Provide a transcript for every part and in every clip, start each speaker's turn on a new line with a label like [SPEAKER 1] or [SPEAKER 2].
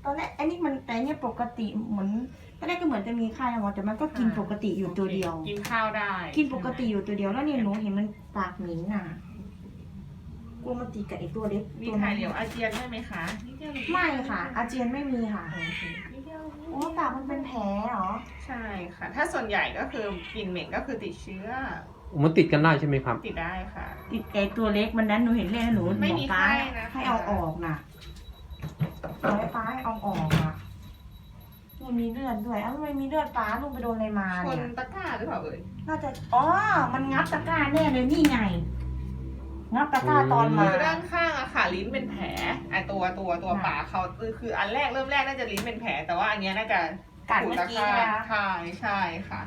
[SPEAKER 1] อนแรกอันนี้มันแต่เนี่ยปกติเหมือนตอนแรกก็เหมือนจะมีไข้นะหมอแต่มันก็กินปกติอยู่ตัวเดียว
[SPEAKER 2] กินข้าวได้
[SPEAKER 1] กินปกติอยู่ตัวเดียวแล้วเนี่ยหนูเห็นมันปากเหม็นน่ะกลัวมันติดกับไอตัวเล็ก
[SPEAKER 2] มี
[SPEAKER 1] ตัว
[SPEAKER 2] ถ่า
[SPEAKER 1] นั้
[SPEAKER 2] ย
[SPEAKER 1] น
[SPEAKER 2] เหลวอาเจียนได้ไหมคะนิดเดียว
[SPEAKER 1] ไม่ค่ะ อาเจียนไม่มีค่ะ
[SPEAKER 2] โอเคนิดเดียว
[SPEAKER 1] โอ้ปากมันเป็นแผลเหรอ
[SPEAKER 2] ใช่ค่ะ ถ้าส่วนใหญ่ก็คือกลิ่นเหม็นก็คือติดเชื้อ
[SPEAKER 3] มันติดกันได้ใช่ไหมครับ
[SPEAKER 2] ติดได้ค่ะ
[SPEAKER 1] ติดไอตัวเล็กมันนั้นหนูเห็นเลยนะหนู
[SPEAKER 2] ไม่มี
[SPEAKER 1] บอกป้า
[SPEAKER 2] ไข้นะคะ
[SPEAKER 1] ให้เอาออกน่ะบอกให้ป้าให้เอาออกอ่ะนี่มีเลือดด้วยอ้าวทำไมมีเลือดป้าลุงไปโดนอะไรมา
[SPEAKER 2] ช
[SPEAKER 1] เนี่
[SPEAKER 2] น
[SPEAKER 1] ย
[SPEAKER 2] ตะกร้าหรือเปล่าเอ่ย
[SPEAKER 1] น่าจะอ๋อมันงับตะกร้าแน่เลยนี่ไงงับตะกร้าตอนมา
[SPEAKER 2] คือด้านข้างอะค่ะลิ้นเป็นแผลไอตัวปากเขาคืออันแรกเริ่มแรกน่าจะลิ้นเป็นแผลแต่ว่าอันเนี้ยน่าจะ
[SPEAKER 1] กัดเมื่อกี้นะคะ
[SPEAKER 2] ใช่ค่ะ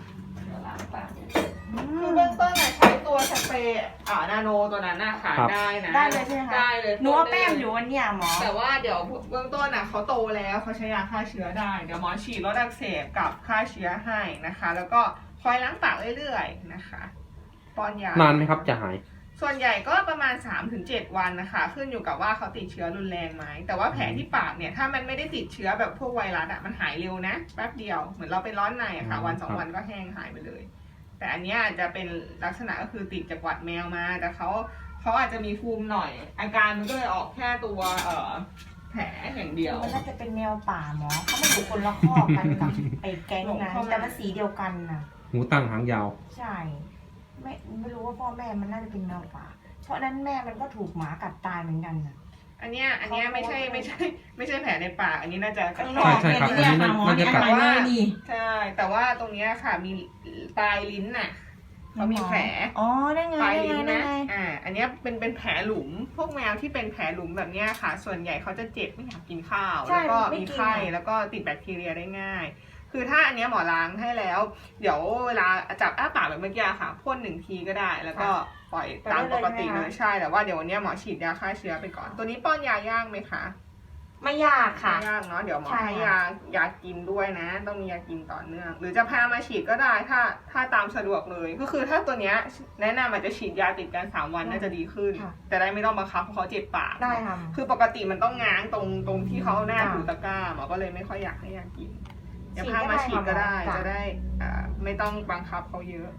[SPEAKER 2] คือเบื้องต้นอะใช้ตัวสเปรย์นาโนตัวนั้นน่ะค่ะ
[SPEAKER 3] ครับ
[SPEAKER 2] ได้นะ
[SPEAKER 1] ได้เลยใช่ไหมคะ
[SPEAKER 2] ได้เลย
[SPEAKER 1] หนูเอาแป้งอยู่วันเนี้ยหมอ
[SPEAKER 2] แต่ว่าเดี๋ยวเบื้องต้นอะเขาโตแล้วเขาใช้ยาฆ่าเชื้อได้เดี๋ยวหมอฉีดลดอักเสบกับฆ่าเชื้อให้นะคะ แล้วก็คอยล้างปากเรื่อยๆนะคะป้อนยาน
[SPEAKER 3] านไหมครับจะหาย
[SPEAKER 2] ส่วนใหญ่ก็ประมาณ 3-7 วันนะคะขึ้นอยู่กับว่าเขาติดเชื้อรุนแรงไหมแต่ว่าแผลที่ปากเนี่ยถ้ามันไม่ได้ติดเชื้อแบบพวกไวรัสอะมันหายเร็วนะแป๊บเดียวเหมือนเราเป็นร้อนในอะค่ะ
[SPEAKER 3] อืม
[SPEAKER 2] วันสอง
[SPEAKER 3] ครับ
[SPEAKER 2] วันก็แห้งหายไปเลย แต่อันเนี้ยอาจจะเป็นลักษณะก็คือติดจากหวัดแมวมาแต่เขาอาจจะมีภูมิหน่อย อาการมันก็เลยออกแค่ตัวแผลอย่างเดียว
[SPEAKER 1] มันน่าจะเป็นแนวป่าหมอเขาไม่อยู่คนละข้อกกันกับไอ้แก๊ง
[SPEAKER 2] หลง
[SPEAKER 1] นั้น
[SPEAKER 2] เข้ามา
[SPEAKER 1] แต่มันสีเดียวกันน่ะ
[SPEAKER 3] หูตั้งหางยาว
[SPEAKER 1] ใช่ไม่รู้ว่าพ่อแม่มันน่าจะเป็นแนวป่า เพราะนั้นแม่มันก็ถูกหมากัดตายเหมือนกันน่ะ
[SPEAKER 2] อันเนี้ยไม่ใช่แผลในปากอันนี้น่าจะกระ
[SPEAKER 1] ข้าง
[SPEAKER 2] แท
[SPEAKER 1] นอก
[SPEAKER 3] ใช่ครับ
[SPEAKER 1] เนี่ย
[SPEAKER 3] อันนี้
[SPEAKER 1] ค่ะหมอ
[SPEAKER 3] น่าจะ
[SPEAKER 1] เนี่ย
[SPEAKER 3] กัด
[SPEAKER 1] หายเลยนี่
[SPEAKER 2] ใช่แต่ว่าตรงเนี้ยค่ะมีปลายลิ้นน่ะเขามีแผล
[SPEAKER 1] อ๋อได้ไง
[SPEAKER 2] ปลาย
[SPEAKER 1] ได้
[SPEAKER 2] ลิ้
[SPEAKER 1] ไง
[SPEAKER 2] น
[SPEAKER 1] ได้
[SPEAKER 2] นะ
[SPEAKER 1] ไง
[SPEAKER 2] อันเนี้ยเป็นแผลหลุม พวกแมวที่เป็นแผลหลุมแบบเนี้ยค่ะ ส่วนใหญ่เขาจะเจ็บไม่อยากกินข้าว แล้วก็มีไข้แล้วก็ติดแบคทีเรียได้ง่าย คือถ้าอันเนี้ยหมอล้างให้แล้ว เดี๋ยวเวลาจับอ้าปากแบบเมื่อกี้ค่ะพ่น1 ทีก็ได้ แล้วก็ปล่อยตามปกติเลยใช่ แต่ว่าเดี๋ยววันเนี้ยหมอฉีดยาฆ่าเชื้อไปก่อน ตัวนี้ป้อนยาย่างไหมคะ
[SPEAKER 1] ไม่ยากค่ะ
[SPEAKER 2] ไม่ยากเนาะ เดี๋ยวหมอ
[SPEAKER 1] ใช่
[SPEAKER 2] ให้ยากินด้วยนะ ต้องมียากินต่อเนื่อง หรือจะพามาฉีดก็ได้ถ้าตามสะดวกเลย ก็คือถ้าตัวเนี้ยแนะนำอาจจะฉีดยาติดกัน3 วันน่าจะดีขึ้น แต่ได้ไม่ต้องบังคับเพราะเขาเจ็บปาก
[SPEAKER 1] ได้ค่ะ
[SPEAKER 2] คือปกติมันต้องง้างตรงที่เขาหน้าถูตะกร้าหมอก็เลยไม่ค่อยอยากให้ยากินเดี๋ยวพามาฉีดก็ได้จะได้ไม่ต้องบังคับเขาเยอะ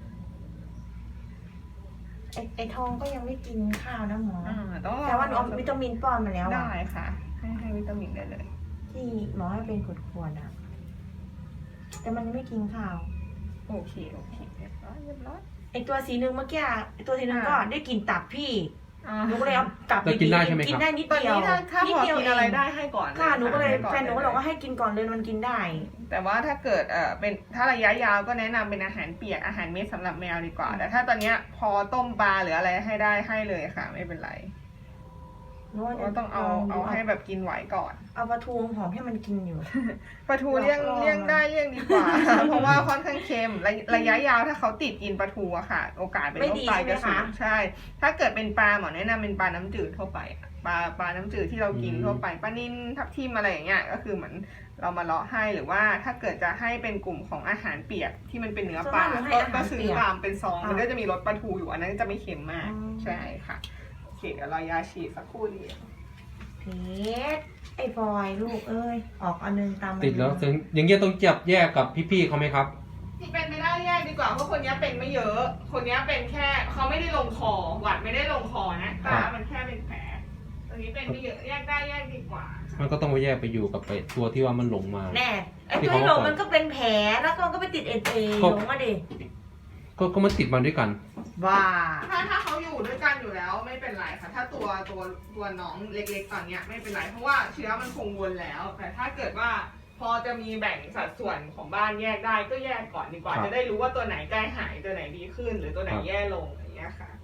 [SPEAKER 1] ไอ้ทองก็ยังไม่กินข้าวนะหมอ
[SPEAKER 2] ต้อง
[SPEAKER 1] แต่ว่าหนูเอาวิตามินป้อนมาแล้วอะ
[SPEAKER 2] ได้ค่ะ ให้วิตามินได้เลย
[SPEAKER 1] ที่หมอให้เป็นขวดๆอ่ะ แต่มันยังไม่กินข้าว
[SPEAKER 2] โอเคเรียบร้อย
[SPEAKER 1] ไอตัวสีนึงเมื่อกี้อะไอตัวสีนึงก็
[SPEAKER 2] อ่า
[SPEAKER 1] ได้กลินตับพี่หนูก็เลยเอากลับไป
[SPEAKER 3] แล้วกินได้ใช่ไหมครับ
[SPEAKER 1] กินได้นิด
[SPEAKER 2] ตอน
[SPEAKER 1] เดียว
[SPEAKER 2] นี้ถ้า
[SPEAKER 1] นิ
[SPEAKER 2] พ
[SPEAKER 1] ด
[SPEAKER 2] อ
[SPEAKER 1] เดียว
[SPEAKER 2] กิน
[SPEAKER 1] เอ
[SPEAKER 2] อะไร
[SPEAKER 1] ง
[SPEAKER 2] ได้ให้ก่อน
[SPEAKER 1] ค่ะหนูก็เลย
[SPEAKER 2] ให้ก่อ
[SPEAKER 1] แฟนหนูก็บอกว่าให้กินก่อนเลยมันกินได้
[SPEAKER 2] แต่ว่าถ้าเกิดเป็นถ้าระยะยาวก็แนะนำเป็นอาหารเปียกอาหารเม็ดสำหรับแมวดีกว่า แต่ถ้าตอนเนี้ยพอต้มปลาหรืออะไรให้ได้ให้เลยค่ะ ไม่เป็นไรก็ต้องเอาให้แบบกินไหวก่อน
[SPEAKER 1] เอาปลาทูหอมให้มันกินอยู่
[SPEAKER 2] ปลาทูเลี่ยง
[SPEAKER 1] ลอง
[SPEAKER 2] เลี่ยงได้เลี่ยงดีกว่า เพราะว่าค่อนข้างเค็มระยะยาวถ้าเขาติดกินปลาทูอะค่ะ โอกาสเป็นโรคไตจะสูงใช่ ถ้าเกิดเป็นปลาหมอแนะนำเป็นปลาน้ำจืดทั่วไปปลาน้ำจืดที่เรากินทั่วไปปลานิ่นทับทิมอะไรอย่างเงี้ยก็คือเหมือนเรามาเลาะให้หรือว่าถ้าเกิดจะให้เป็นกลุ่มของอาหารเปียกที่มันเป็นเนื้อปลาก็ซื้อตามเป็นซองมันก็จะมีรสปลาทูอยู่อันนั้นจะไม่เค็มมากใช่ค่ะโอเคเดี๋ยวเรายาฉีดสักครู่เดียว
[SPEAKER 1] เพชรไอ้บอยลูกเอ้ยออกอันนึงตามอันนึง
[SPEAKER 3] ติดแล้วอย่างเงี้ยต้องจับแยกกับพี่ๆเขาไหมครับ
[SPEAKER 2] ที่เป็นไม่ได้แยกดีกว่าเพราะคนนี้เป็นไม่เยอะ คนนี้เป็นแค่เขาไม่ได้ลงคอหวัดไม่ได้ลงคอนะแต่มันแค่เป็นแผลตัวนี้เป็นไม่เยอะแยกได้แยกดีกว่า
[SPEAKER 3] มันก็ต้องไปแยกไปอยู่กับไอ้ตัวที่ว่ามันหลงมา
[SPEAKER 1] แน่ไอ้ตัวที่หลงมันก็เป็นแผลแล้วก็ไปติดเอเอหลงมาดิ
[SPEAKER 3] ก็มันติดมาด้วยกัน
[SPEAKER 1] ว้า
[SPEAKER 2] ถ้าเขาอยู่ด้วยกันอยู่แล้วไม่เป็นไรค่ะ ถ้าตัวน้องเล็กๆตอนเนี้ยไม่เป็นไรเพราะว่าเชื้อมันคงวนแล้ว แต่ถ้าเกิดว่าพอจะมีแบ่งสัดส่วนของบ้านแยกได้ก็แยกก่อนดีกว่า
[SPEAKER 3] ครับ
[SPEAKER 2] จะได้รู้ว่าตัวไหนใกล้หายตัวไหนดีขึ้น หรือตัวไหนแย่ลงอย่างเงี้ยค่ะ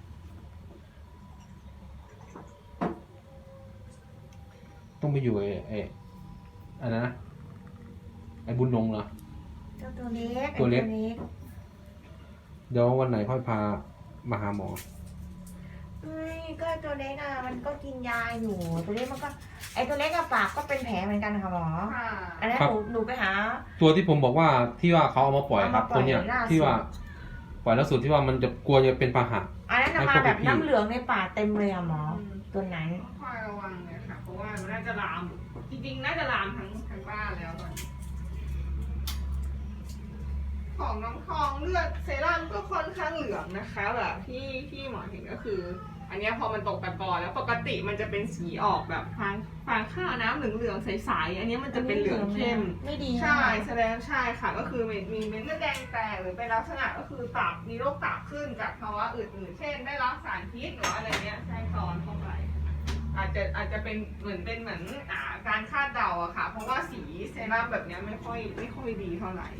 [SPEAKER 3] ต้องไปอยู่ไอ้อันนั้นนะไอ้บุญนงเหรอ
[SPEAKER 1] เจ้าตัวเล็ก
[SPEAKER 3] ตัวเล็ก
[SPEAKER 1] ไอ้
[SPEAKER 3] เดี๋ยววันไหนค่อยพามาหาหมอ
[SPEAKER 1] ไม่ก็ตัวเล็กอ่ะมันก็กินยาอยู่ตัวเล็กมันก็ไอ้ตัวเล็กอะปากก็เป็นแผลเหมือนกันค่ะหมอ
[SPEAKER 2] ค่ะ
[SPEAKER 1] อันนั้น
[SPEAKER 3] ครับ
[SPEAKER 1] หนูไปหา
[SPEAKER 3] ตัวที่ผมบอกว่าที่ว่าเขาเอามาปล่อยครับ
[SPEAKER 1] เอามาปล่อย
[SPEAKER 3] ตัวเนี้ย
[SPEAKER 1] ล่าสุด
[SPEAKER 3] ที่ว่าปล่อยแล้วสุดที่ว่ามันจะกลัวจะเป็นพาหะ
[SPEAKER 1] อันนั้นน่ะ
[SPEAKER 3] ให้
[SPEAKER 1] มา
[SPEAKER 3] พวก
[SPEAKER 1] แบบ
[SPEAKER 3] พี่
[SPEAKER 1] น้ำเหลืองในปากเต็มเลยอะหมอ ตัวนั้น
[SPEAKER 2] คอยระวังเลยค่ะ เพราะว่ามันน่าจะลามจริงๆน่าจะลามทั้งบ้านแล้วตอนนี้ของน้องทองเลือดเซรั่มก็ค่อนข้างเหลืองนะคะแบบที่หมอเห็นก็คือ อันนี้พอมันตกตะกอนแล้วปกติมันจะเป็นสีออกแบบฟางข้าวน้ำเหลืองๆใสๆอันนี้มันจะเป็นเหลืองเข้ม
[SPEAKER 1] ไม่ดี
[SPEAKER 2] ใช่แสดงใช่ค่ะก็คือมีเม็ดเลือดแดงแตกหรือเป็นลักษณะก็คือตับมีโรคตับขึ้นจากภาวะอื่นๆเช่นได้รับสารพิษหรืออะไรเนี้ยแทรกซ้อนเข้าไปอาจจะเป็นเหมือนการคาดเดาอะค่ะเพราะว่าสีเซรั่มแบบเนี้ยไม่ค่อยดีเท่าไหร่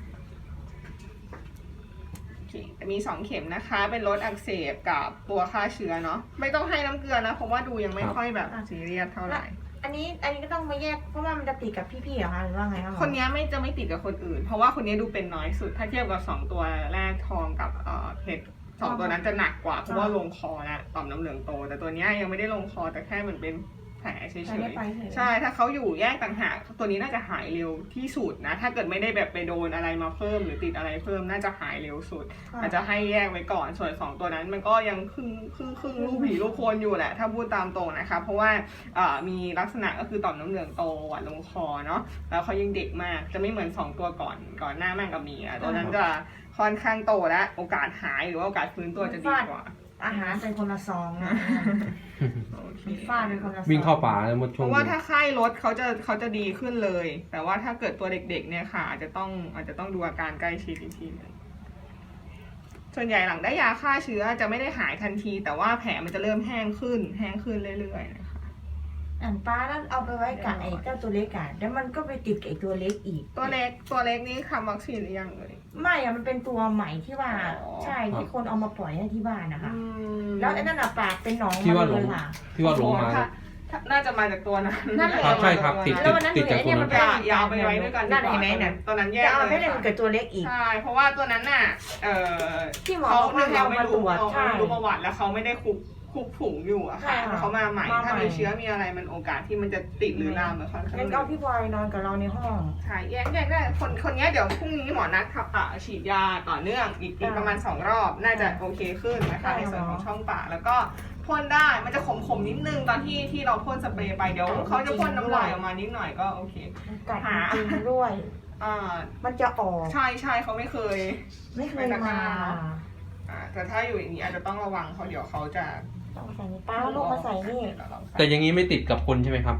[SPEAKER 2] มี 2 เข็มนะคะเป็นลดอักเสบกับตัวฆ่าเชื้อเนาะไม่ต้องให้น้ำเกลือนะเพราะว่าดูยังไม่ค่อยแบบซีเรียสเท่าไหร่
[SPEAKER 1] อันนี้ก็ต้องมาแยกเพราะว่ามันจะติดกับพี่ๆเหรอคะหรือว่าไงคะหมอ
[SPEAKER 2] คนนี้จะไม่ติดกับคนอื่น เพราะว่าคนนี้ดูเป็นน้อยสุดถ้าเทียบกับ2ตัวแรกทองกับเพชร2ตัวนั้นจะหนักกว่าเพราะว่าลงคอและต่อมน้ำเหลืองโตแต่ตัวนี้ยังไม่ได้ลงคอแต่แค่เหมือนเป็นแผลเฉยๆใช่ถ้าเขาอยู่แยกต่างหากตัวนี้น่าจะหายเร็วที่สุดนะถ้าเกิดไม่ได้แบบไปโดนอะไรมาเพิ่มหรือติดอะไรเพิ่มน่าจะหายเร็วสุดอาจจะให้แยกไว้ก่อนส่วน2ตัวนั้นมันก็ยังครึ่งลูกผีลูกโคนอยู่แหละถ้าพูดตามตรงนะคะเพราะว่ามีลักษณะก็คือต่อมน้ำเหลืองโตหวานลงคอเนาะแล้วเขายังเด็กมากจะไม่เหมือน2ตัวก่อนหน้าแม่งกับมีตัวนั้นจะค่อนข้างโตและโอกาสหายหรือว่าโอกาสฟื้นตัวจะดีกว่า
[SPEAKER 1] อาหารเป็นคนละซองนะฟาดเป็นคนละซอง
[SPEAKER 3] วิ่งเข้าป่าแล้วหมดช่
[SPEAKER 2] เพ
[SPEAKER 3] วง
[SPEAKER 2] ราะว่าถ้าไข้ลดเขาจะดีขึ้นเลย แต่ว่าถ้าเกิดตัวเด็กๆเนี่ยค่ะอาจจะต้องดูอาการใกล้ชิดอีกทีนึงส่วนใหญ่หลังได้ยาฆ่าเชื้อจะไม่ได้หายทันที แต่ว่าแผลมันจะเริ่มแห้งขึ้นเรื่อยๆนะคะ
[SPEAKER 1] ป้าแล้วเอาไปไว้กับไอ้เจ้าตัวเล็กอะแล้วมันก็ไปติดกับไอ้ตัวเล็กอีก
[SPEAKER 2] ตัวเล็กนี่ทำวัคซีนหรือยังเลย
[SPEAKER 1] ไม่อะมันเป็นตัวใหม่ที่ว่าใช่ที่คนเอามาปล่อยให้ที่บ้านนะคะแล้วไอ้นั่นอะปากเป็นหนองมาเลยค่ะ
[SPEAKER 3] ที่ว่าหลงมา
[SPEAKER 2] น่าจะมาจากตัวนั้น
[SPEAKER 1] นั่นแหละ
[SPEAKER 3] ใช่ครับติดจากตัวนั้น
[SPEAKER 2] ยาวไปไว้ด้วยกัน
[SPEAKER 1] นั่นเห็นไหมเนี่ย
[SPEAKER 2] ตัวนั้นแยก
[SPEAKER 1] จะเอาไม่ได้มันเกิดตัวเล็กอีก
[SPEAKER 2] ใช่เพราะว่าตัวนั้นน่ะ
[SPEAKER 1] ที่หมอเขามาตรวจใช่
[SPEAKER 2] ดูประวัติแล้วเขาไม่ได้คุกผงอยู่อะค่ะเขามาใหม่ถ้ามีเชื้อมีอะไรมันโอกาสที่มันจะติดหรือลามเหมือนเขา
[SPEAKER 1] งั้นก็พี่บอยนอนกับเราในห้อง
[SPEAKER 2] ใช่แยกได้คนนี้เดี๋ยวพรุ่งนี้หมอนัดฉีดยาต่อเนื่องอีกประมาณ2 รอบน่าจะโอเคขึ้นนะคะในส่วนของช่องปากแล้วก็พ่นได้มันจะขมนิดนึงตอนที่เราพ่นสเปรย์ไปเดี๋ยวเขาจะพ่นน้ำลายออกมานิดหน่อยก็โอเค
[SPEAKER 1] กัดจริงด้วยมันจะออก
[SPEAKER 2] ใช่เขาไม่เคย
[SPEAKER 1] มา
[SPEAKER 2] แต่ถ้าอยู่อย่างนี้อาจจะต้องระวังเพราะเดี๋ยวเขาจะ
[SPEAKER 1] ต้องใส่ป้าลูกมาใส่นี่
[SPEAKER 3] แต่อย่างนี้ไม่ติดกับคนใช่ไหมครับ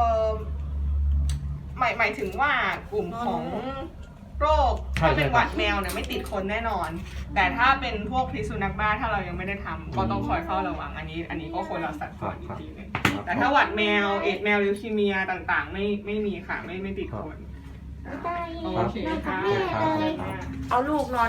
[SPEAKER 2] หมายถึงว่ากลุ่มของโรคถ้าเป็นหวัดแมวเนี่ยไม่ติดคนแน่นอนแต่ถ้าเป็นพวกพิษสุนัขบ้าถ้าเรายังไม่ได้ทำก็ต้องคอยเฝ้าระวังอันนี้ก็คนละสัดส่วนอีกทีนึงแต่ถ้าหวัดแมวเอดแมวลิวคีเมียต่างๆไม่มีค่ะไม่ติดคนโอเคค่ะ
[SPEAKER 1] เอาลูกนอน